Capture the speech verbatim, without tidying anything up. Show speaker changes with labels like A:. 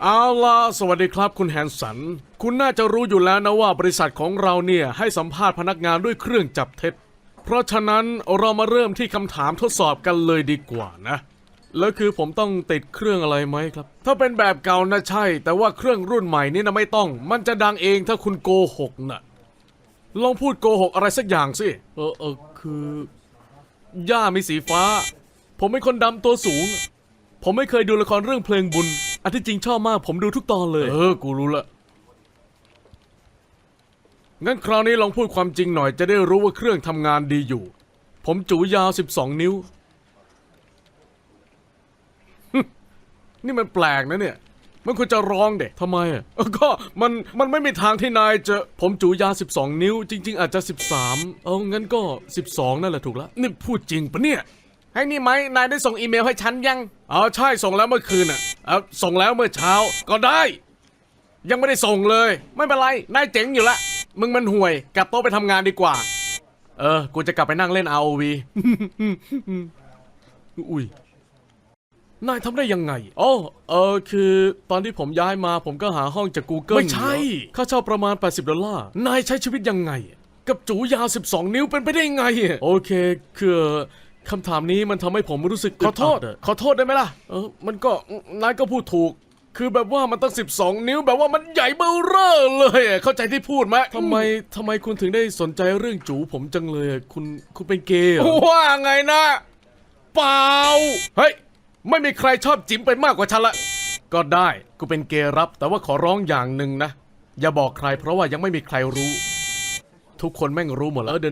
A: เอาล่ะสวัสดีครับคุณแฮนสันคุณน่าจะรู้อยู่แล้วนะว่าบริษัทของเราเนี่ยให้สัมภาษณ์พนักงานด้วยเครื่องจับเท็จเพราะฉะนั้นเรามาเริ่มที่คำถามทดสอบกันเลยดีกว่านะแล้วคือผมต้องติดเครื่องอะไรไหมครับถ้าเป็นแบบเก่านะใช่แต่ว่าเครื่องรุ่นใหม่นี่นะไม่ต้องมันจะดังเองถ้าคุณโกหกนะลองพูดโกหกอะไรสักอย่างสิเออเออคือย่ามีสีฟ้าผมเป็นคนดำตัวสูงผมไม่เคยดูละครเรื่องเพลงบุญอันที่จริงชอบมากผมดูทุกตอนเลยเออกูรู้ละงั้นคราวนี้ลองพูดความจริงหน่อยจะได้รู้ว่าเครื่องทำงานดีอยู่ผมจูยาวสิบสองนิ้ว นี่มันแปลกนะเนี่ยมันควรจะร้องเด็กทำไมอ่ะก็มันมันไม่มีทางที่นายจะผมจูยาวสิบสองนิ้วจริงๆอาจจะสิบสามเอางั้นก็สิบสองนั่นแหละถูกแล้วนี่พูดจริงปะเนี่ยให้นี่ไหมนายได้ส่งอีเมลให้ฉันยังอ๋อใช่ส่งแล้วเมื่อคืนอ่ะเออส่งแล้วเมื่อเช้าก็ได้ยังไม่ได้ส่งเลยไม่เป็นไรนายเจ๋งอยู่ละมึงมันห่วยกลับโต๊ะไปทำงานดีกว่าเออกูจะกลับไปนั่งเล่น อาร์ โอ วี อุ้ยนายทำได้ยังไงอ๋อเออคือตอนที่ผมย้ายมาผมก็หาห้องจาก Google ไม่ใช่ค่าเช่าประมาณแปดสิบดอลลาร์นายใช้ชีวิตยังไงกับจูยาวสิบสองนิ้วเป็นไปได้ไงโอเคคือคำถามนี้มันทำให้ผมรู้สึกขอโทษขอโทษได้ไหมล่ะเออมันก็นายก็พูดถูกคือแบบว่ามันตั้งสิบสองนิ้วแบบว่ามันใหญ่เบ้อเร่อเลยเข้าใจที่พูดไหมทำไมทำไมคุณถึงได้สนใจเรื่องจูผมจังเลยคุณคุณเป็นเกย์เหรอว่าไงนะเปล่าเฮ้ยไม่มีใครชอบจิ๋มไปมากกว่าฉันละก็ได้กูเป็นเกย์รับแต่ว่าขอร้องอย่างหนึ่งนะอย่าบอกใครเพราะว่ายังไม่มีใครรู้ทุกคนแม่งรู้หมดแล้วเดิ